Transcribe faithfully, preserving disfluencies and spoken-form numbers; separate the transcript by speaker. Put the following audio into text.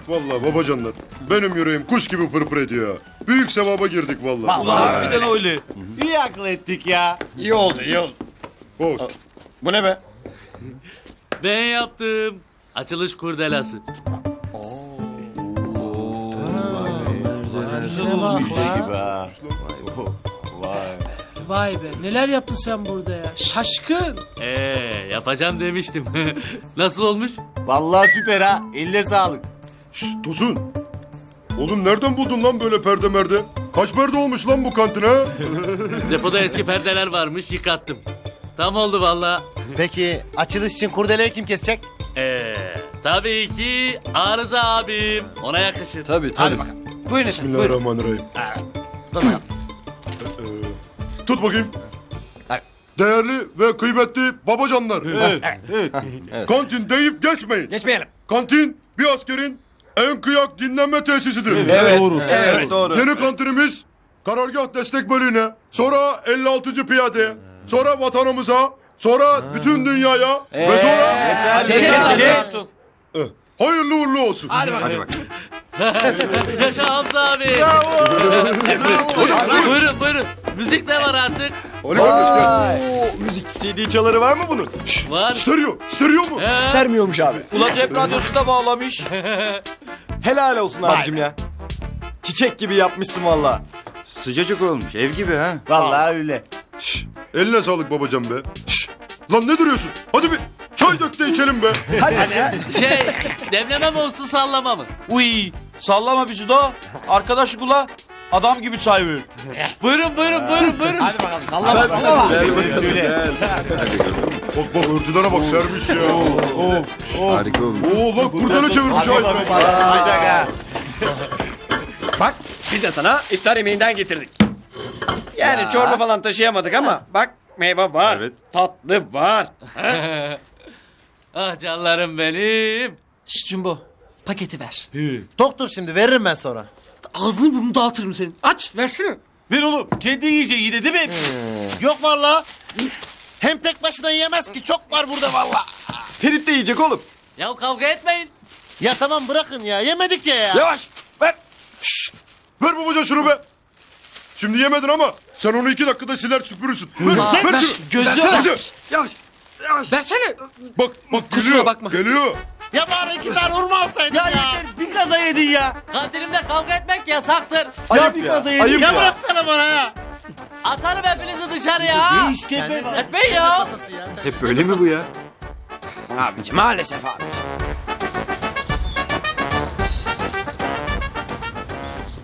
Speaker 1: Vallahi babacanlar. Benim yüreğim kuş gibi pırpır ediyor. Büyük sevaba girdik vallahi.
Speaker 2: Ulan harbiden öyle. İyi akıl ettik ya.
Speaker 3: İyi oldu, iyi oldu.
Speaker 1: Olsun.
Speaker 3: Bu ne be?
Speaker 4: Ben yaptım. Açılış kurdelası.
Speaker 2: Bize gibi ha. Vay.
Speaker 5: Vay be neler yaptın sen burada ya. Şaşkın.
Speaker 4: Ee, yapacağım demiştim. Nasıl olmuş?
Speaker 2: Vallahi süper ha. Eline sağlık.
Speaker 1: Şşt Tosun. Oğlum nereden buldun lan böyle perde merde? Kaç perde olmuş lan bu kantine?
Speaker 4: Depoda eski perdeler varmış, yıkattım. Tam oldu valla.
Speaker 6: Peki açılış için kurdeleyi kim kesecek?
Speaker 4: Ee, tabii ki Arıza abim. Ona yakışır.
Speaker 2: Tabii tabii.
Speaker 5: Buyurun efendim buyurun.
Speaker 1: Bismillahirrahmanirrahim. Ee, Tut bakayım. Değerli ve kıymetli babacanlar. Kantin deyip geçmeyin.
Speaker 5: Geçmeyelim.
Speaker 1: Kantin bir askerin en kıyak dinlenme tesisidir.
Speaker 2: Evet. Doğru. Evet. Doğru.
Speaker 1: Yeni kantinimiz karargah destek bölüğüne, sonra elli altıncı piyadeye, sonra vatanımıza, sonra bütün dünyaya ve sonra
Speaker 2: Kes, kes.
Speaker 1: Eh, hayırlı uğurlu olsun.
Speaker 5: Hadi bakalım.
Speaker 4: Yaşa Hamza abi. Buyurun buyurun. Müzik de var artık.
Speaker 1: Ali kardeş gel.
Speaker 2: Müzik C D çaları var mı bunun?
Speaker 4: Var.
Speaker 1: Stereo, stereo mu?
Speaker 4: He.
Speaker 2: İstermiyormuş abi. Ula cep radyosu da bağlamış. Helal olsun abicim ya. Çiçek gibi yapmışsın valla.
Speaker 7: Sıcacık olmuş ev gibi ha.
Speaker 2: Vallahi öyle.
Speaker 1: Şş, eline sağlık babacan be. Şş, lan ne duruyorsun? Hadi bir çay dök de içelim be.
Speaker 4: Şey, demleme mi olsun sallama mı?
Speaker 8: Uy, sallama bizi de. Arkadaş kula adam gibi çay ver.
Speaker 4: Buyurun buyurun buyurun buyurun.
Speaker 5: Hadi bakalım sallama sallama.
Speaker 1: Bak bak örtülere bak sermiş ya.
Speaker 7: Harika olmuş.
Speaker 1: Oo bak kurdele çevirmiş ay.
Speaker 3: Bak biz de sana iftar yemeğinden getirdik. Yani çorba falan taşıyamadık ama bak meyve var,
Speaker 7: Evet.
Speaker 3: tatlı var.
Speaker 4: Ah canlarım benim.
Speaker 5: Şşt Cumbo paketi ver.
Speaker 6: Doktor şimdi veririm ben sonra.
Speaker 5: Ağzını burnunu dağıtırım senin. Aç versene.
Speaker 8: Ver oğlum, kendi yiyeceği yine değil mi?
Speaker 6: Yok valla. Hem tek başına yiyemez ki çok var burada valla.
Speaker 2: Ferit de yiyecek oğlum.
Speaker 4: Ya kavga etmeyin.
Speaker 6: Ya tamam bırakın ya yemedik ya ya.
Speaker 2: Yavaş ver.
Speaker 1: Ver babacan şunu be. Şimdi yemedin ama sen onu iki dakikada siler süpürürsün. Ver, ver şunu.
Speaker 5: Gözü
Speaker 1: Versene.
Speaker 5: aç.
Speaker 1: Yavaş.
Speaker 5: Versene.
Speaker 1: Bak bak
Speaker 5: Kusura
Speaker 1: geliyor.
Speaker 5: bakma.
Speaker 1: Geliyor.
Speaker 6: Ya bari iki tane hurma alsaydın ya.
Speaker 2: Ya yeter bir kaza yedin ya.
Speaker 4: Kantinimde kavga etmek yasaktır.
Speaker 2: Ayıp ya. Ayıp
Speaker 6: Ya
Speaker 2: ya.
Speaker 6: bıraksana bana ya.
Speaker 4: Atarım hepinizi dışarıya.
Speaker 2: İşkembe var.
Speaker 4: Etmeyin ya.
Speaker 7: Hep böyle mi bu ya?
Speaker 3: Abicim maalesef abi.